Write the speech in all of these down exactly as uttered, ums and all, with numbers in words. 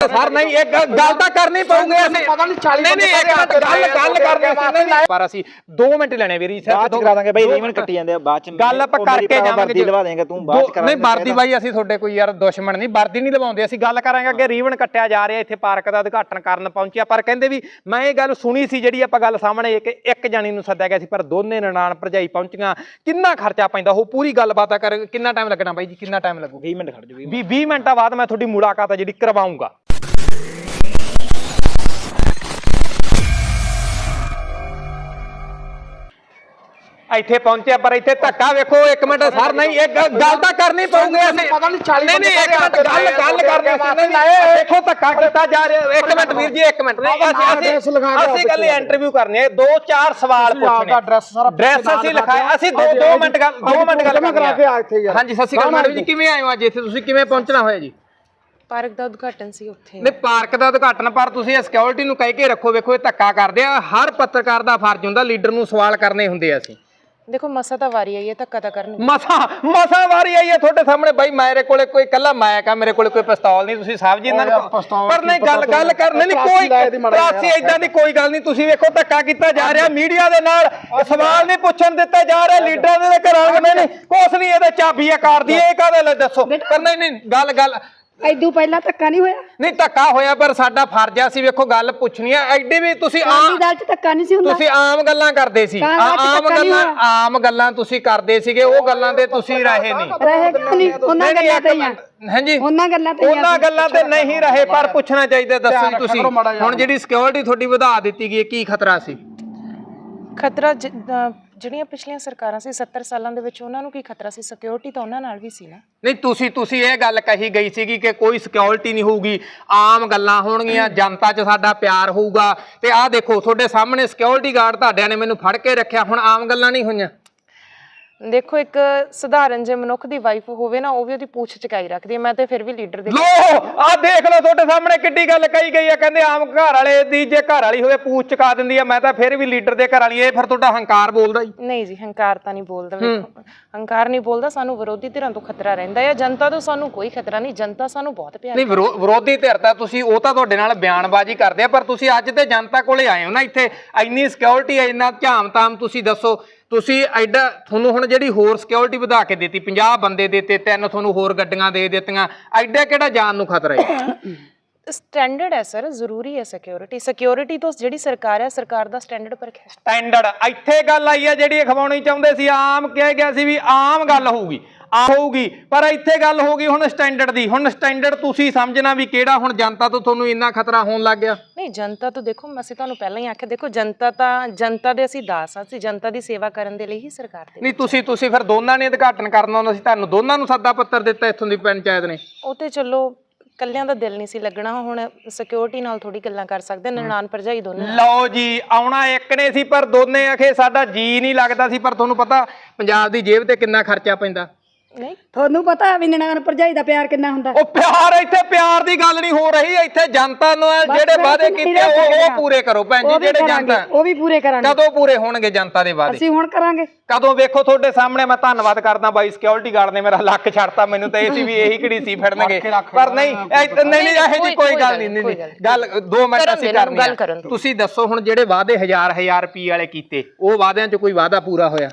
Sir ਨਹੀਂ ਇਹ ਗੱਲ ਤਾਂ ਕਰਨੀ ਪਊਗੀ ਅਸੀਂ ਪਤਾ ਨਹੀਂ ਚਾਲੀ ਨਹੀਂ ਨਹੀਂ ਇੱਕ ਮਿੰਟ ਗੱਲ ਗੱਲ ਕਰਨੀ ਸੀ ਪਰ ਅਸੀਂ ਦੋ ਮਿੰਟ ਲੈਣੇ ਵੀਰੀ ਸਰ ਬਾਅਦ ਚ ਕਰਾ ਦਾਂਗੇ ਬਾਈ ਰੀਵਨ ਕੱਟੀ ਜਾਂਦੇ ਆ ਬਾਅਦ ਚ ਗੱਲ ਆਪਾਂ ਕਰਕੇ ਜਾਵਾਂਗੇ ਲਵਾ ਦੇਂਗਾ ਤੂੰ ਬਾਅਦ ਚ ਕਰਾਂਗੇ ਨਹੀਂ ਵਰਦੀ ਬਾਈ ਅਸੀਂ ਤੁਹਾਡੇ ਕੋਈ ਯਾਰ ਦੁਸ਼ਮਣ ਨਹੀਂ ਵਰਦੀ ਨਹੀਂ ਲਵਾਉਂਦੇ ਅਸੀਂ ਗੱਲ ਕਰਾਂਗੇ ਅੱਗੇ ਰੀਵਨ ਕੱਟਿਆ ਜਾ ਰਿਹਾ ਇੱਥੇ ਪਾਰਕ ਦਾ ਉਦਘਾਟਨ ਕਰਨ ਪਹੁੰਚਿਆ ਪਰ ਕਹਿੰਦੇ ਵੀ ਮੈਂ ਇਹ ਗੱਲ ਸੁਣੀ ਸੀ ਜਿਹੜੀ ਆਪਾਂ ਗੱਲ ਸਾਹਮਣੇ ਇੱਕ ਇੱਕ ਜਾਣੀ ਨੂੰ ਸੱਦਿਆ ਗਿਆ ਸੀ ਪਰ ਦੋਨੇ ਨਨਾਣ ਭਰਜਾਈ ਪਹੁੰਚੀਆਂ ਕਿੰਨਾ ਖਰਚਾ ਪੈਂਦਾ ਉਹ ਪੂਰੀ ਗੱਲਬਾਤ ਕਰ ਕਿੰਨਾ ਟਾਈਮ ਲੱਗਣਾ ਬਾਈ ਜੀ ਕਿੰਨਾ ਟਾਈਮ ਲੱਗੂ ਵੀਹ ਮਿੰਟ ਖੜ ਜਾਓ ਵੀਹ ਵੀਹ ਮਿੰਟਾਂ ਬਾਅਦ ਮੈਂ ਤੁਹਾਡੀ ਮੁਲਾਕਾਤ ਜਿਹੜੀ ਕਰਵਾਉਂਗਾ ਇੱਥੇ ਪਹੁੰਚਿਆ ਪਰ ਇੱਥੇ ਧੱਕਾ ਵੇਖੋ ਇੱਕ ਮਿੰਟ ਸਰ ਨਹੀਂ ਇਹ ਗੱਲ ਤਾਂ ਕਰਨੀ ਪਊਗੀ ਅਸੀਂ ਪਤਾ ਨਹੀਂ ਚਾਲੀ ਨਹੀਂ ਨਹੀਂ ਇੱਕ ਮਿੰਟ ਗੱਲ ਗੱਲ ਕਰਨੀ ਸੀ ਦੇਖੋ ਧੱਕਾ ਕੀਤਾ ਜਾ ਰਿਹਾ ਇੱਕ ਮਿੰਟ ਵੀਰ ਜੀ ਇੱਕ ਮਿੰਟ ਨਹੀਂ ਅਸੀਂ ਅਸੀਂ ਕੱਲ ਇੰਟਰਵਿਊ ਕਰਨੀ ਹੈ ਦੋ ਚਾਰ ਸਵਾਲ ਪੁੱਛਣੇ ਐਡਰੈਸ ਸਾਰਾ ਐਡਰੈਸ ਅਸੀਂ ਲਿਖਾਇਆ ਅਸੀਂ ਦੋ ਦੋ ਮਿੰਟ ਗੱਲ ਦੋ ਮਿੰਟ ਗੱਲ ਕਰਨੀ ਹੈ ਹਾਂਜੀ ਸਤਿ ਸ਼੍ਰੀ ਅਕਾਲ ਮੈਡਮ ਜੀ ਕਿਵੇਂ ਆਏ ਹੋ ਅੱਜ ਇੱਥੇ ਤੁਸੀਂ ਕਿਵੇਂ ਪਹੁੰਚਣਾ ਹੋਇਆ ਜੀ ਪਾਰਕ ਦਾ ਉਦਘਾਟਨ ਸੀ ਉੱਥੇ ਨਹੀਂ ਪਾਰਕ ਦਾ ਉਦਘਾਟਨ ਪਰ ਤੁਸੀਂ ਸਿਕਿਉਰਿਟੀ ਨੂੰ ਕਹਿ ਕੇ ਰੱਖੋ ਵੇਖੋ ਇਹ ਧੱਕਾ ਕਰਦੇ ਆ ਹਰ ਪੱਤਰਕਾਰ ਦਾ ਫਰਜ਼ ਹੁੰਦਾ ਲੀਡਰ ਨੂੰ ਸਵਾਲ ਕਰਨੇ ਹੁੰਦੇ ਆ ਅਸੀਂ ਦੇਖੋ ਮਸਾ ਤਾਂ ਵਾਰੀ ਆਈ ਹੈ ਧੱਕਾ ਤਾਂ ਕਰਨੀ ਮਸਾ ਮਸਾ ਵਾਰੀ ਆਈ ਹੈ ਤੁਹਾਡੇ ਸਾਹਮਣੇ ਬਾਈ ਮੇਰੇ ਕੋਲੇ ਕੋਈ ਕੱਲਾ ਮੈਕ ਆ ਮੇਰੇ ਕੋਲੇ ਕੋਈ ਪਿਸਤੌਲ ਨਹੀਂ ਤੁਸੀਂ ਸਾਹਿਬ ਜੀ ਇਹਨਾਂ ਨੂੰ ਪਰ ਨਹੀਂ ਗੱਲ ਗੱਲ ਕਰਨੀ ਨਹੀਂ ਕੋਈ ਤਰਾਸੀ ਇਦਾਂ ਦੀ ਕੋਈ ਗੱਲ ਨਹੀਂ ਤੁਸੀਂ ਵੇਖੋ ਧੱਕਾ ਕੀਤਾ ਜਾ ਰਿਹਾ ਮੀਡੀਆ ਦੇ ਨਾਲ ਸਵਾਲ ਨਹੀਂ ਪੁੱਛਣ ਦਿੱਤਾ ਜਾ ਰਿਹਾ ਲੀਡਰਾਂ ਦੇ ਘਰਾਂ ਦੇ ਨਹੀਂ ਕੁਛ ਨਹੀਂ ਇਹਦੇ ਚਾਬੀਆਂ ਕਰਦੀ ਇਹ ਕਾਹਦੇ ਲਈ ਦੱਸੋ ਪਰ ਨਹੀਂ ਨਹੀਂ ਗੱਲ ਗੱਲ ਐਦੂ ਪਹਿਲਾਂ ਧੱਕਾ ਨਹੀਂ ਹੋਇਆ ਨਹੀਂ ਧੱਕਾ ਹੋਇਆ ਪਰ ਸਾਡਾ ਫਰਜ਼ ਆ ਸੀ ਵੇਖੋ ਗੱਲ ਪੁੱਛਣੀ ਆ ਐਡੀ ਵੀ ਤੁਸੀਂ ਆਮ ਗੱਲ 'ਚ ਧੱਕਾ ਨਹੀਂ ਸੀ ਹੁੰਦਾ ਤੁਸੀਂ ਆਮ ਗੱਲਾਂ ਕਰਦੇ ਸੀ ਆਮ ਗੱਲਾਂ ਆਮ ਗੱਲਾਂ ਤੁਸੀਂ ਕਰਦੇ ਸੀਗੇ ਉਹ ਗੱਲਾਂ ਤੇ ਤੁਸੀਂ ਰਹੇ ਨਹੀਂ ਰਹੇ ਨਹੀਂ ਉਹਨਾਂ ਗੱਲਾਂ ਤੇ ਹੀ ਹਾਂਜੀ ਉਹਨਾਂ ਗੱਲਾਂ ਤੇ ਉਹਨਾਂ ਗੱਲਾਂ ਤੇ ਨਹੀਂ ਰਹੇ ਪਰ ਪੁੱਛਣਾ ਚਾਹੀਦਾ ਦੱਸੋ ਜੀ ਤੁਸੀਂ ਹੁਣ ਜਿਹੜੀ ਸਿਕਿਉਰਿਟੀ ਤੁਹਾਡੀ ਵਧਾ ਦਿੱਤੀ ਗਈ ਕੀ ਖਤਰਾ ਸੀ ਖਤਰਾ ਜਿਹੜੀਆਂ ਪਿਛਲੀਆਂ ਸਰਕਾਰਾਂ ਸੀ ਸੱਤਰ ਸਾਲਾਂ ਦੇ ਵਿੱਚ ਉਹਨਾਂ ਨੂੰ ਕੀ ਖਤਰਾ ਸੀ ਸਿਕਿਉਰਿਟੀ ਤਾਂ ਉਹਨਾਂ ਨਾਲ ਵੀ ਸੀ ਨਾ ਨਹੀਂ ਤੁਸੀਂ ਤੁਸੀਂ ਇਹ ਗੱਲ ਕਹੀ ਗਈ ਸੀਗੀ ਕਿ ਕੋਈ ਸਿਕਿਉਰਿਟੀ ਨਹੀਂ ਹੋਊਗੀ ਆਮ ਗੱਲਾਂ ਹੋਣਗੀਆਂ ਜਨਤਾ 'ਚ ਸਾਡਾ ਪਿਆਰ ਹੋਊਗਾ ਤੇ ਆਹ ਦੇਖੋ ਤੁਹਾਡੇ ਸਾਹਮਣੇ ਸਿਕਿਉਰਿਟੀ ਗਾਰਡ ਤੁਹਾਡਿਆਂ ਨੇ ਮੈਨੂੰ ਫੜ ਕੇ ਰੱਖਿਆ ਹੁਣ ਆਮ ਗੱਲਾਂ ਨਹੀਂ ਹੋਈਆਂ ਦੇਖੋ ਇੱਕ ਸਧਾਰਨ ਜੇ ਮਨੁੱਖ ਦੀ ਵਾਈਫ ਹੋਵੇ ਨਾ ਉਹ ਵੀ ਉਹਦੀ ਪੂਛ ਚਕਾਈ ਰੱਖਦੀ ਹੈ ਮੈਂ ਤੇ ਫਿਰ ਵੀ ਲੀਡਰ ਦੇ ਲੋ ਆਹ ਦੇਖ ਲਓ ਤੁਹਾਡੇ ਸਾਹਮਣੇ ਕਿੱਡੀ ਗੱਲ ਕਹੀ ਗਈ ਆ ਕਹਿੰਦੇ ਆਮ ਘਰ ਵਾਲੇ ਦੀ ਜੇ ਘਰ ਵਾਲੀ ਹੋਵੇ ਪੂਛ ਚਕਾ ਦਿੰਦੀ ਆ ਮੈਂ ਤਾਂ ਫਿਰ ਵੀ ਲੀਡਰ ਦੇ ਘਰ ਵਾਲੀ ਇਹ ਫਿਰ ਤੁਹਾਡਾ ਹੰਕਾਰ ਬੋਲਦਾ ਜੀ ਨਹੀਂ ਜੀ ਹੰਕਾਰ ਤਾਂ ਨਹੀਂ ਬੋਲਦਾ ਵੇਖੋ ਹੰਕਾਰ ਨਹੀਂ ਬੋਲਦਾ ਸਾਨੂੰ ਵਿਰੋਧੀ ਧਿਰਾਂ ਤੋਂ ਖਤਰਾ ਰਹਿੰਦਾ ਹੈ ਜਨਤਾ ਤੋਂ ਸਾਨੂੰ ਕੋਈ ਖਤਰਾ ਨਹੀਂ ਜਨਤਾ ਸਾਨੂੰ ਬਹੁਤ ਪਿਆਰ ਨਹੀਂ ਵਿਰੋਧੀ ਧਿਰ ਤਾਂ ਤੁਸੀਂ ਉਹ ਤਾਂ ਤੁਹਾਡੇ ਨਾਲ ਬਿਆਨਬਾਜ਼ੀ ਕਰਦੇ ਆ ਪਰ ਤੁਸੀਂ ਅੱਜ ਤੇ ਜਨਤਾ ਕੋਲੇ ਆਏ ਹੋ ਨਾ ਇੱਥੇ ਇੰਨੀ ਸਿਕਿਉਰਿਟੀ ਇੰਨਾ ਝਾਮ ਤਾਮ ਤੁਸੀਂ ਦੱਸੋ ਤੁਸੀਂ ਐਡਾ ਤੁਹਾਨੂੰ ਹੁਣ ਜਿਹੜੀ ਹੋਰ ਸਿਕਿਉਰਿਟੀ ਵਧਾ ਕੇ ਦਿੱਤੀ ਪੰਜਾਹ ਬੰਦੇ ਦਿੱਤੇ ਤਿੰਨ ਤੁਹਾਨੂੰ ਹੋਰ ਗੱਡੀਆਂ ਦੇ ਦਿੱਤੀਆਂ ਐਡਾ ਕਿਹੜਾ ਜਾਨ ਨੂੰ ਖਤਰਾ ਹੈ ਸਟੈਂਡਰਡ ਹੈ ਸਰ ਜ਼ਰੂਰੀ ਹੈ ਸਿਕਿਉਰਿਟੀ ਸਿਕਿਉਰਿਟੀ ਤੋਂ ਜਿਹੜੀ ਸਰਕਾਰ ਹੈ ਸਰਕਾਰ ਦਾ ਸਟੈਂਡਰਡ ਪਰ ਸਟੈਂਡਰਡ ਇੱਥੇ ਗੱਲ ਆਈ ਹੈ ਜਿਹੜੀ ਅਖਵਾਉਣੀ ਚਾਹੁੰਦੇ ਸੀ ਆਮ ਕਿਹਾ ਗਿਆ ਸੀ ਵੀ ਆਮ ਗੱਲ ਹੋਊਗੀ ਆ ਹੋਊਗੀ ਪਰ ਇੱਥੇ ਗੱਲ ਹੋ ਗਈ ਹੁਣ ਸਟੈਂਡਰਡ ਦੀ ਹੁਣ ਸਟੈਂਡਰਡ ਤੁਸੀਂ ਸਮਝਣਾ ਵੀ ਕਿਹੜਾ ਹੁਣ ਜਨਤਾ ਤੋਂ ਤੁਹਾਨੂੰ ਇੰਨਾ ਖਤਰਾ ਹੋਣ ਲੱਗ ਗਿਆ ਨਹੀਂ ਜਨਤਾ ਤੋਂ ਦੇਖੋ ਅਸੀਂ ਤੁਹਾਨੂੰ ਪਹਿਲਾਂ ਹੀ ਆਖਿਆ ਦੇਖੋ ਜਨਤਾ ਤਾਂ ਜਨਤਾ ਦੇ ਅਸੀਂ ਦਾਸ ਹਾਂ ਅਸੀਂ ਜਨਤਾ ਦੀ ਸੇਵਾ ਕਰਨ ਦੇ ਲਈ ਹੀ ਸਰਕਾਰ ਦੇ ਨਹੀਂ ਤੁਸੀਂ ਤੁਸੀਂ ਫਿਰ ਦੋਨਾਂ ਨੇ ਉਦਘਾਟਨ ਕਰਨਾ ਹੁੰਦਾ ਸੀ ਤੁਹਾਨੂੰ ਦੋਨਾਂ ਨੂੰ ਸੱਦਾ ਪੱਤਰ ਦਿੱਤਾ ਇੱਥੋਂ ਦੀ ਪੰਚਾਇਤ ਨੇ ਉਹ ਤੇ ਚਲੋ ਕੱਲਿਆਂ ਦਾ ਦਿਲ ਨਹੀਂ ਸੀ ਲੱਗਣਾ ਹੁਣ ਸਿਕਿਉਰਿਟੀ ਨਾਲ ਥੋੜੀ ਗੱਲਾਂ ਕਰ ਸਕਦੇ ਨਨਾਣ ਭਰਜਾਈ ਦੋਨੇ ਲਓ ਜੀ ਆਉਣਾ ਇੱਕ ਨੇ ਸੀ ਪਰ ਦੋਨੇ ਆਖੇ ਸਾਡਾ ਜੀ ਨਹੀਂ ਲੱਗਦਾ ਸੀ ਪਰ ਤੁਹਾਨੂੰ ਪਤਾ ਪੰਜਾਬ ਦੀ ਜੇਬ ਤੇ ਕਿੰਨਾ ਖਰਚਾ ਪੈਂਦਾ ਨਹੀਂ ਤੁਹਾਨੂੰ ਪਤਾ ਵੀ ਨਨਾਣ ਭਰਜਾਈ ਦਾ ਪਿਆਰ ਕਿੰਨਾ ਹੁੰਦਾ ਉਹ ਪਿਆਰ ਇੱਥੇ ਪਿਆਰ ਦੀ ਗੱਲ ਨਹੀਂ ਹੋ ਰਹੀ ਇੱਥੇ ਜਨਤਾ ਨੂੰ ਜਿਹੜੇ ਵਾਅਦੇ ਕੀਤੇ ਉਹ ਉਹ ਪੂਰੇ ਕਰੋ ਭੈਣ ਜੀ ਜਿਹੜੇ ਜਨਤਾ ਉਹ ਵੀ ਪੂਰੇ ਕਰਾਂਗੇ ਕਦੋਂ ਪੂਰੇ ਹੋਣਗੇ ਜਨਤਾ ਦੇ ਵਾਅਦੇ ਅਸੀਂ ਹੁਣ ਕਰਾਂਗੇ ਕਦੋਂ ਵੇਖੋ ਤੁਹਾਡੇ ਸਾਹਮਣੇ ਮੈਂ ਧੰਨਵਾਦ ਕਰਦਾ ਬਾਈ ਸਿਕਿਉਰਿਟੀ ਗਾਰਡ ਨੇ ਮੇਰਾ ਲੱਕ ਛੱਡਤਾ ਮੈਨੂੰ ਤਾਂ ਇਹ ਸੀ ਵੀ ਇਹੀ ਕਿਹੜੀ ਸੀ ਫੜਨਗੇ ਪਰ ਨਹੀਂ ਨਹੀਂ ਨਹੀਂ ਇਹੋ ਜਿਹੀ ਕੋਈ ਗੱਲ ਨਹੀਂ ਨਹੀਂ ਗੱਲ ਦੋ ਮਿੰਟ ਅਸੀਂ ਕਰਨੀ ਤੁਸੀਂ ਦੱਸੋ ਹੁਣ ਜਿਹੜੇ ਵਾਅਦੇ ਹਜ਼ਾਰ ਹਜ਼ਾਰ ਰੁਪਏ ਵਾਲੇ ਕੀਤੇ ਉਹ ਵਾਅਦਿਆਂ 'ਚ ਕੋਈ ਵਾਅਦਾ ਪੂਰਾ ਹੋਇਆ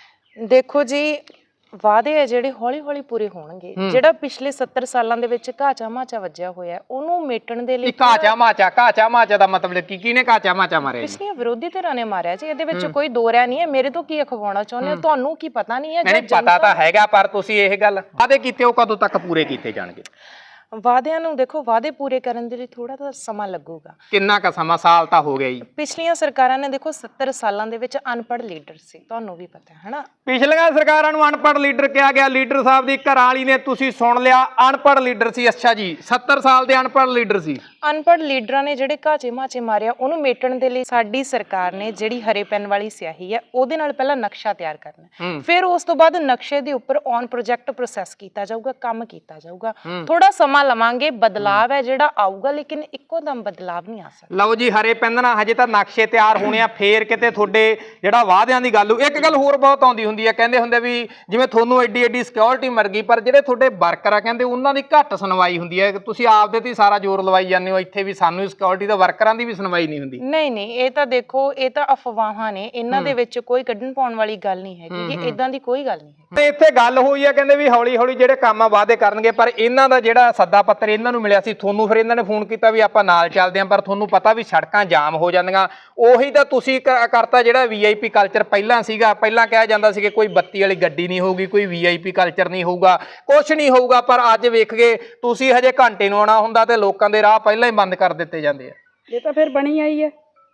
ਦੇਖੋ ਜੀ ਵਾਅਦੇ ਆ ਜਿਹੜੇ ਹੌਲੀ ਹੌਲੀ ਪੂਰੇ ਹੋਣਗੇ ਜਿਹੜਾ ਪਿਛਲੇ ਸੱਤਰ ਸਾਲਾਂ ਦੇ ਵਿੱਚ ਘਾਚਾ ਮਾਚਾ ਵੱਜਿਆ ਹੋਇਆ ਉਹਨੂੰ ਮੇਟਣ ਦੇ ਲਈ ਘਾਚਾ ਮਾਚਾ ਘਾਚਾ ਮਾਚਾ ਦਾ ਮਤਲਬ ਕੀ ਕਿਹਨੇ ਘਾਚਾ ਮਾਚਾ ਮਾਰਿਆ ਪਿਛਲੀਆਂ ਵਿਰੋਧੀ ਧਿਰਾਂ ਨੇ ਮਾਰਿਆ ਜੀ ਇਹਦੇ ਵਿੱਚ ਕੋਈ ਦੋ ਰਾਹ ਨਹੀਂ ਹੈ ਮੇਰੇ ਤੋਂ ਕੀ ਅਖਵਾਉਣਾ ਚਾਹੁੰਦੇ ਹੋ ਤੁਹਾਨੂੰ ਕੀ ਪਤਾ ਨਹੀਂ ਹੈ ਨਹੀਂ ਪਤਾ ਤਾਂ ਹੈਗਾ ਪਰ ਤੁਸੀਂ ਇਹ ਗੱਲ ਵਾਅਦੇ ਕੀਤੇ ਉਹ ਕਦੋਂ ਤੱਕ ਪੂਰੇ ਕੀਤੇ ਜਾਣਗੇ ਵਾਅਦਿਆਂ ਨੂੰ ਦੇਖੋ ਵਾਅਦੇ ਪੂਰੇ ਕਰਨ ਦੇ ਲਈ ਥੋੜਾ ਤਾਂ ਸਮਾਂ ਲੱਗੂਗਾ ਕਿੰਨਾ ਕ ਸਮਾਂ ਸਾਲ ਤਾਂ ਹੋ ਗਿਆ ਜੀ ਪਿਛਲੀਆਂ ਸਰਕਾਰਾਂ ਨੇ ਦੇਖੋ ਸੱਤਰ ਸਾਲਾਂ ਦੇ ਵਿੱਚ ਅਨਪੜ੍ਹ ਲੀਡਰ ਸੀ ਤੁਹਾਨੂੰ ਵੀ ਪਤਾ ਹੈ ਹਨਾ ਪਿਛਲੀਆਂ ਸਰਕਾਰਾਂ ਨੂੰ ਅਨਪੜ੍ਹ ਲੀਡਰ ਕਿਹਾ ਗਿਆ ਲੀਡਰ ਸਾਹਿਬ ਦੀ ਘਰ ਵਾਲੀ ਨੇ ਤੁਸੀਂ ਸੁਣ ਲਿਆ ਅਨਪੜ੍ਹ ਲੀਡਰ ਸੀ ਅੱਛਾ ਜੀ ਸੱਤਰ ਸਾਲ ਦੇ ਅਨਪੜ੍ਹ ਲੀਡਰ ਸੀ ਅਨਪੜ੍ਹ ਲੀਡਰਾਂ ਨੇ ਜਿਹੜੇ ਘਾਚੇ ਮਾਚੇ ਮਾਰਿਆ ਉਹਨੂੰ ਮੇਟਣ ਦੇ ਲਈ ਸਾਡੀ ਸਰਕਾਰ ਨੇ ਜਿਹੜੀ ਹਰੇ ਪੈਨ ਵਾਲੀ ਸਿਆਹੀ ਹੈ ਉਹਦੇ ਨਾਲ ਪਹਿਲਾਂ ਨਕਸ਼ਾ ਤਿਆਰ ਕਰਨਾ, ਫਿਰ ਉਸ ਤੋਂ ਬਾਅਦ ਨਕਸ਼ੇ ਦੇ ਉੱਪਰ ਔਨ ਪ੍ਰੋਜੈਕਟ ਪ੍ਰੋਸੈਸ ਕੀਤਾ ਜਾਊਗਾ, ਕੰਮ ਕੀਤਾ ਜਾਊਗਾ। ਥੋੜਾ ਸਮਾਂ ਲਵਾਂਗੇ, ਬਦਲਾਵ ਹੈ ਜਿਹੜਾ ਆਊਗਾ, ਲੇਕਿਨ ਇੱਕੋ ਦਮ ਬਦਲਾਵ ਨਹੀਂ ਆ ਸਕਦਾ। ਲਓ ਜੀ, ਹਰੇ ਪੈਨ ਨਾਲ ਹਜੇ ਤਾਂ ਨਕਸ਼ੇ ਤਿਆਰ ਹੋਣੇ ਆ, ਫੇਰ ਕਿਤੇ ਤੁਹਾਡੇ ਜਿਹੜਾ ਵਾਅਦਿਆਂ ਦੀ ਗੱਲ। ਇੱਕ ਗੱਲ ਹੋਰ ਬਹੁਤ ਆਉਂਦੀ ਹੁੰਦੀ ਹੈ, ਕਹਿੰਦੇ ਹੁੰਦੇ ਵੀ ਜਿਵੇਂ ਤੁਹਾਨੂੰ ਐਡੀ ਐਡੀ ਸਿਕਿਉਰਿਟੀ ਮਰ ਗਈ, ਪਰ ਜਿਹੜੇ ਤੁਹਾਡੇ ਵਰਕਰ ਆ ਕਹਿੰਦੇ ਉਹਨਾਂ ਦੀ ਘੱਟ ਸੁਣਵਾਈ ਹੁੰਦੀ ਹੈ। ਤੁਸੀਂ ਆਪਦੇ ਤੇ ਸਾਰਾ ਜ਼ੋਰ ਲਵਾਈ ਜਾਂਦੇ ਹੋ, ਇੱਥੇ ਵੀ ਸਾਨੂੰ ਸਿਕਿਉਰਿਟੀ ਦਾ ਵਰਕਰਾਂ ਦੀ ਵੀ ਸੁਣਵਾਈ ਨਹੀਂ ਹੁੰਦੀ। ਨਹੀਂ ਨਹੀਂ, ਇਹ ਤਾਂ ਦੇਖੋ, ਇਹ ਤਾਂ ਅਫਵਾਹਾਂ ਨੇ, ਇਹਨਾਂ ਦੇ ਵਿੱਚ ਕੋਈ ਕੱਢਣ ਪਾਉਣ ਵਾਲੀ ਗੱਲ ਨਹੀਂ ਹੈਗੀ ਕਿ ਇਦਾਂ ਦੀ ਕੋਈ ਗੱਲ ਨਹੀਂ ਹੈ। ਤੇ ਇੱਥੇ ਗੱਲ ਹੋਈ ਆ, ਕਹਿੰਦੇ ਵੀ ਹੌਲੀ ਹੌਲੀ ਜਿਹੜੇ ਕੰਮ ਆ ਵਾਅਦੇ ਕਰਨਗੇ, ਪਰ ਇਹਨਾਂ ਦਾ ਜਿਹੜਾ ਸੱਦਾ ਪੱਤਰ ਇਹਨਾਂ ਨੂੰ ਮਿਲਿਆ ਸੀ ਤੁਹਾਨੂੰ, ਫਿਰ ਇਹਨਾਂ ਨੇ ਫੋਨ ਕੀਤਾ ਵੀ ਆਪਾਂ ਨਾਲ ਚੱਲਦੇ ਆਂ, ਪਰ ਤੁਹਾਨੂੰ ਪਤਾ ਵੀ ਸੜਕਾਂ ਜਾਮ ਹੋ ਜਾਂਦੀਆਂ। ਉਹੀ ਤਾਂ ਤੁਸੀਂ ਕਰਤਾ ਜਿਹੜਾ ਵੀ ਆਈ ਪੀ ਕਲਚਰ ਪਹਿਲਾਂ ਸੀਗਾ। ਪਹਿਲਾਂ ਕਿਹਾ ਜਾਂਦਾ ਸੀ ਕਿ ਕੋਈ ਬੱਤੀ ਵਾਲੀ ਗੱਡੀ ਨਹੀਂ ਹੋਊਗੀ, ਕੋਈ ਵੀ ਆਈ ਪੀ ਕਲਚਰ ਨਹੀਂ ਹੋਊਗਾ, ਕੁਛ ਨਹੀਂ ਹੋਊਗਾ, ਪਰ ਅੱਜ ਵੇਖ ਗਏ ਤੁਸੀਂ ਹਜੇ ਘੰਟੇ ਨੂੰ ਆਉਣਾ ਹੁੰਦਾ ਤੇ ਲੋਕਾਂ ਦੇ ਰਾਹ ਪਹਿਲਾਂ ਹੀ ਬੰਦ ਕਰ ਦਿੱਤੇ ਜਾਂਦੇ ਆ। ਇਹ ਤਾਂ ਫਿਰ ਬਣੀ ਆਈ ਹੈ,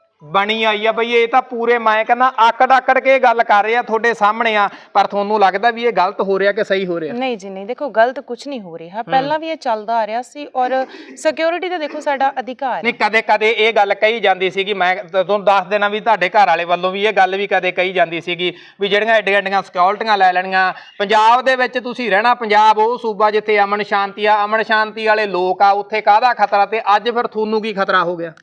ਬਣੀ ਆਈ ਆ ਬਈ। ਇਹ ਤਾਂ ਪੂਰੇ ਮੈਂ ਕਹਿੰਦਾ ਆਕੜ ਆਕੜ ਕੇ ਗੱਲ ਕਰ ਰਹੇ ਆ, ਤੁਹਾਡੇ ਸਾਹਮਣੇ ਆ, ਪਰ ਤੁਹਾਨੂੰ ਲੱਗਦਾ ਵੀ ਇਹ ਗਲਤ ਹੋ ਰਿਹਾ ਕਿ ਸਹੀ ਹੋ ਰਿਹਾ? ਨਹੀਂ ਜੀ ਨਹੀਂ, ਦੇਖੋ ਗਲਤ ਕੁਝ ਨਹੀਂ ਹੋ ਰਿਹਾ, ਪਹਿਲਾਂ ਵੀ ਇਹ ਚੱਲਦਾ ਆ ਰਿਹਾ ਸੀ, ਔਰ ਸਿਕਿਉਰਿਟੀ ਤੇ ਦੇਖੋ ਸਾਡਾ ਅਧਿਕਾਰ ਨਹੀਂ, ਕਦੇ ਕਦੇ ਇਹ ਗੱਲ ਕਹੀ ਜਾਂਦੀ ਸੀਗੀ, ਮੈਂ ਤੁਹਾਨੂੰ ਦੱਸ ਦੇਣਾ ਵੀ ਤੁਹਾਡੇ ਘਰ ਵਾਲੇ ਵੱਲੋਂ ਵੀ ਇਹ ਗੱਲ ਵੀ ਕਦੇ ਕਹੀ ਜਾਂਦੀ ਸੀਗੀ ਵੀ ਜਿਹੜੀਆਂ ਐਡੀਆਂ ਐਡੀਆਂ ਸਿਕਿਉਰਿਟੀਆਂ ਲੈ ਲੈਣੀਆਂ ਪੰਜਾਬ ਦੇ ਵਿੱਚ ਤੁਸੀਂ ਰਹਿਣਾ। ਪੰਜਾਬ ਉਹ ਸੂਬਾ ਜਿੱਥੇ ਅਮਨ ਸ਼ਾਂਤੀ ਆ, ਅਮਨ ਸ਼ਾਂਤੀ ਵਾਲੇ ਲੋਕ ਆ, ਉੱਥੇ ਕਾਹਦਾ ਖਤਰਾ? ਤੇ ਅੱਜ ਫਿਰ ਤੁਹਾਨੂੰ ਕੀ ਖਤਰਾ ਹੋ ਗਿਆ?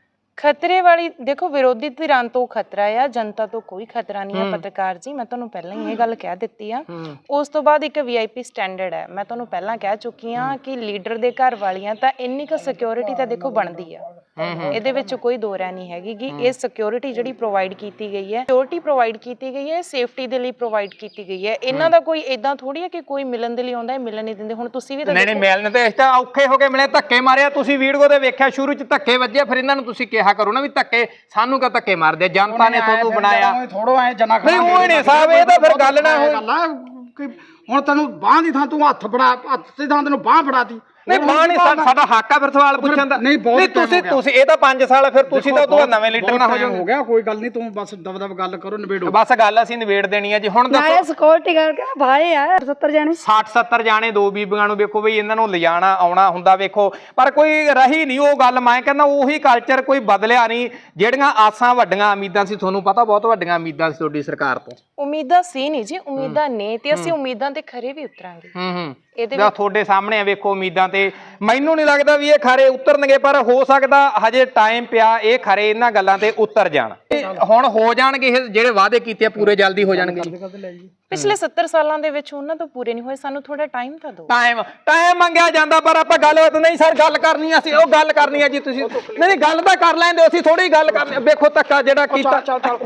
ਖਤਰੇ ਵਾਲੀ ਦੇਖੋ, ਵਿਰੋਧੀ ਧਿਰਾਂ ਤੋਂ ਖਤਰਾ ਆ, ਜਨਤਾ ਤੋਂ ਕੋਈ ਖਤਰਾ ਨਹੀਂ ਹੈ। ਪੱਤਰਕਾਰ ਜੀ, ਮੈਂ ਤੁਹਾਨੂੰ ਪਹਿਲਾਂ ਹੀ ਇਹ ਗੱਲ ਕਹਿ ਦਿੱਤੀ ਆ। ਉਸ ਤੋਂ ਬਾਅਦ ਇੱਕ ਵੀ ਆਈ ਪੀ ਸਟੈਂਡਰਡ ਹੈ, ਮੈਂ ਤੁਹਾਨੂੰ ਪਹਿਲਾਂ ਕਹਿ ਚੁੱਕੀ ਆ ਕਿ ਲੀਡਰ ਦੇ ਘਰ ਵਾਲੀਆਂ ਤਾਂ ਇੰਨੀ ਕੁ ਸਿਕਿਉਰਿਟੀ ਤਾਂ ਦੇਖੋ ਬਣਦੀ ਆ, ਇਹਦੇ ਵਿੱਚ ਕੋਈ ਦੋ ਰਾਏ ਨਹੀਂ ਹੈਗੀ ਕਿ ਇਹ ਸਿਕਿਉਰਿਟੀ ਜਿਹੜੀ ਪ੍ਰੋਵਾਈਡ ਕੀਤੀ ਗਈ ਹੈ, ਸਿਕਿਉਰਿਟੀ ਪ੍ਰੋਵਾਈਡ ਕੀਤੀ ਗਈ ਹੈ ਸੇਫਟੀ ਦੇ ਲਈ ਪ੍ਰੋਵਾਈਡ ਕੀਤੀ ਗਈ ਹੈ। ਇਹਨਾਂ ਦਾ ਕੋਈ ਇਦਾਂ ਥੋੜੀ ਹੈ ਕਿ ਕੋਈ ਮਿਲਣ ਦੇ ਲਈ ਆਉਂਦਾ ਹੈ, ਮਿਲਣ ਨਹੀਂ ਦਿੰਦੇ। ਹੁਣ ਤੁਸੀਂ ਵੀ ਤਾਂ ਨਹੀਂ ਨਹੀਂ, ਮਿਲਣ ਤੇ ਇਸ ਤਾਂ ਔਖੇ ਹੋ ਕੇ ਮਿਲੇ, ਧੱਕੇ ਮਾਰਿਆ ਤੁਸੀਂ ਵੀਡੀਓ ਦੇ ਵੇਖਿਆ, ਸ਼ੁਰੂ ਚ ਧੱਕੇ ਵੱਜੇ, ਫਿਰ ਇਹਨਾਂ ਨੂੰ ਤੁਸੀਂ ਕਿਹਾ ਕਰੋ ਨਾ ਵੀ ਧੱਕੇ ਸਾਨੂੰ ਕਾ ਧੱਕੇ ਮਾਰਦੇ, ਜਨਤਾ ਨੇ ਤੁਹਾਨੂੰ ਬਣਾਇਆ। ਥੋੜੋ ਐ ਜਨਾ ਨਹੀਂ ਉਹ ਨਹੀਂ ਸਾਹਿਬ, ਇਹ ਤਾਂ ਫਿਰ ਗੱਲ ਨਾ ਹੋਈ। ਹੁਣ ਤੈਨੂੰ ਬਾਹ ਦੀ ਥਾਂ ਤੂੰ ਹੱਥ ਫੜਾ, ਹੱਥ ਦੀ ਥਾਂ ਤੈਨੂੰ ਬਾਹ ਫੜਾਤੀ। ਨਹੀਂ ਬਾਹ ਨਹੀਂ, ਸਾਡਾ ਹੱਕ ਆ ਫਿਰ ਸਵਾਲ ਪੁੱਛਣ ਦਾ। ਨਹੀਂ ਤੁਸੀਂ ਤੁਸੀਂ ਇਹ ਤਾਂ ਪੰਜ ਸਾਲ ਫਿਰ ਤੁਸੀਂ ਤਾਂ ਉਦੋਂ ਨਵੇਂ ਲੀਡਰ ਨਾ ਹੋ ਜਾਓਗੇ। ਹੋ ਗਿਆ, ਕੋਈ ਗੱਲ ਨਹੀਂ, ਤੂੰ ਬਸ ਦਬ ਦਬ ਗੱਲ ਕਰੋ, ਨਿਬੇੜੋ ਬਸ ਗੱਲ ਅਸੀਂ ਨਿਬੇੜ ਦੇਣੀ ਆ ਜੀ। ਹੁਣ ਦੱਸੋ, ਨਾਲੇ ਸਿਕਿਉਰਿਟੀ ਕਰਕੇ ਭਾਏ ਆ ਸੱਤਰ ਜਾਣੇ, ਸੱਠ ਸੱਤਰ ਜਾਣੇ, ਦੋ ਬੀਬੀਆਂ ਨੂੰ ਵੇਖੋ ਬਈ, ਇਹਨਾਂ ਨੂੰ ਲਿਜਾਣਾ ਆਉਣਾ ਹੁੰਦਾ ਵੇਖੋ, ਪਰ ਕੋਈ ਰਹੀ ਨਹੀਂ ਉਹ ਗੱਲ। ਮੈਂ ਕਹਿੰਦਾ ਉਹੀ ਕਲਚਰ ਕੋਈ ਬਦਲਿਆ ਨਹੀਂ। ਜਿਹੜੀਆਂ ਆਸਾਂ ਵੱਡੀਆਂ ਉਮੀਦਾਂ ਸੀ, ਤੁਹਾਨੂੰ ਪਤਾ ਬਹੁਤ ਵੱਡੀਆਂ ਉਮੀਦਾਂ ਸੀ ਤੁਹਾਡੀ ਸਰਕਾਰ ਤੋਂ। ਉਮੀਦਾਂ ਸੀ ਨਹੀਂ ਜੀ, ਉਮੀਦਾਂ ਨੇ, ਤੇ ਅਸੀਂ ਉਮੀਦਾਂ ਤੇ ਖਰੇ ਵੀ ਉਤਰਾਂਗੇ। ਹੂੰ ਹੂੰ, ਇਹਦੇ ਵਿੱਚ ਤੁਹਾਡੇ ਸਾਹਮਣੇ ਆ ਵੇਖੋ ਉਮੀਦਾਂ ਤੇ। ਮੈਨੂੰ ਨਹੀਂ ਲੱਗਦਾ ਵੀ ਇਹ ਖਰੇ ਉਤਰਨਗੇ, ਪਰ ਹੋ ਸਕਦਾ ਹਜੇ ਟਾਈਮ ਪਿਆ, ਇਹ ਖਰੇ ਇਹਨਾਂ ਗੱਲਾਂ ਤੇ ਉਤਰ ਜਾਣ। ਹੁਣ ਹੋ ਜਾਣਗੇ ਇਹ ਜਿਹੜੇ ਵਾਅਦੇ ਕੀਤੇ ਆ ਪੂਰੇ ਜਲਦੀ ਹੋ ਜਾਣਗੇ। ਪਿਛਲੇ ਸੱਤਰ ਸਾਲਾਂ ਦੇ ਵਿੱਚ ਉਹਨਾਂ ਤੋਂ ਪੂਰੇ ਨਹੀਂ ਹੋਏ, ਸਾਨੂੰ ਥੋੜਾ ਟਾਈਮ ਤਾਂ ਦਿਓ। ਟਾਈਮ ਟਾਈਮ ਮੰਗਿਆ ਜਾਂਦਾ, ਪਰ ਆਪਾਂ ਗੱਲਬਾਤ ਨਹੀਂ ਸਰ ਗੱਲ ਕਰਨੀ ਅਸੀਂ ਉਹ ਗੱਲ ਕਰਨੀ ਹੈ ਜੀ। ਤੁਸੀਂ ਨਹੀਂ ਨਹੀਂ ਗੱਲ ਤਾਂ ਕਰ ਲੈਂਦੇ, ਅਸੀਂ ਥੋੜੀ ਗੱਲ ਕਰਨੀ। ਵੇਖੋ ਧੱਕਾ ਜਿਹੜਾ ਕੀਤਾ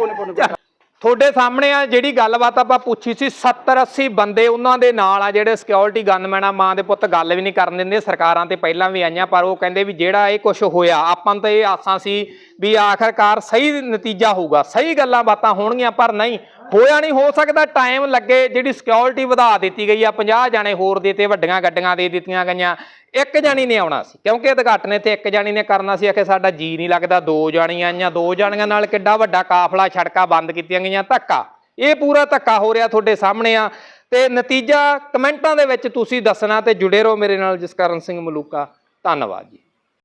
ਤੁਹਾਡੇ ਸਾਹਮਣੇ ਆ, ਜਿਹੜੀ ਗੱਲਬਾਤ ਆਪਾਂ ਪੁੱਛੀ ਸੀ, ਸੱਤਰ ਅੱਸੀ ਬੰਦੇ ਉਹਨਾਂ ਦੇ ਨਾਲ ਆ ਜਿਹੜੇ ਸਿਕਿਉਰਿਟੀ ਗਨਮੈਨ ਆ। ਮਾਂ ਦੇ ਪੁੱਤ ਗੱਲ ਵੀ ਨਹੀਂ ਕਰਨ ਦਿੰਦੇ, ਸਰਕਾਰਾਂ ਤੇ ਪਹਿਲਾਂ ਵੀ ਆਈਆਂ, ਪਰ ਉਹ ਕਹਿੰਦੇ ਵੀ ਜਿਹੜਾ ਇਹ ਕੁਝ ਹੋਇਆ, ਆਪਾਂ ਨੂੰ ਤਾਂ ਇਹ ਆਸਾਂ ਸੀ ਵੀ ਆਖਰਕਾਰ ਸਹੀ ਨਤੀਜਾ ਹੋਊਗਾ, ਸਹੀ ਗੱਲਾਂ ਬਾਤਾਂ ਹੋਣਗੀਆਂ, ਪਰ ਨਹੀਂ ਹੋਇਆ। ਨਹੀਂ ਹੋ ਸਕਦਾ, ਟਾਈਮ ਲੱਗੇ। ਜਿਹੜੀ ਸਿਕਿਉਰਿਟੀ ਵਧਾ ਦਿੱਤੀ ਗਈ ਆ, ਪੰਜਾਹ ਜਾਣੇ ਹੋਰ ਦੇ ਤੇ, ਵੱਡੀਆਂ ਗੱਡੀਆਂ ਦੇ ਦਿੱਤੀਆਂ ਗਈਆਂ। ਇੱਕ ਜਾਣੀ ਨੇ ਆਉਣਾ ਸੀ ਕਿਉਂਕਿ ਉਦਘਾਟਨ ਤੇ ਇੱਕ ਜਾਣੀ ਨੇ ਕਰਨਾ ਸੀ। ਆਖੇ ਸਾਡਾ ਜੀ ਨਹੀਂ ਲੱਗਦਾ, ਦੋ ਜਾਣੀਆਂ ਆਈਆਂ, ਦੋ ਜਾਣੀਆਂ ਨਾਲ ਕਿੱਡਾ ਵੱਡਾ ਕਾਫਲਾ, ਸੜਕਾਂ ਬੰਦ ਕੀਤੀਆਂ ਗਈਆਂ। ਧੱਕਾ, ਇਹ ਪੂਰਾ ਧੱਕਾ ਹੋ ਰਿਹਾ ਤੁਹਾਡੇ ਸਾਹਮਣੇ ਆ। ਤੇ ਨਤੀਜਾ ਕਮੈਂਟਾਂ ਦੇ ਵਿੱਚ ਤੁਸੀਂ ਦੱਸਣਾ, ਤੇ ਜੁੜੇ ਰਹੋ ਮੇਰੇ ਨਾਲ। ਜਸਕਰਨ ਸਿੰਘ ਮਲੂਕਾ, ਧੰਨਵਾਦ ਜੀ।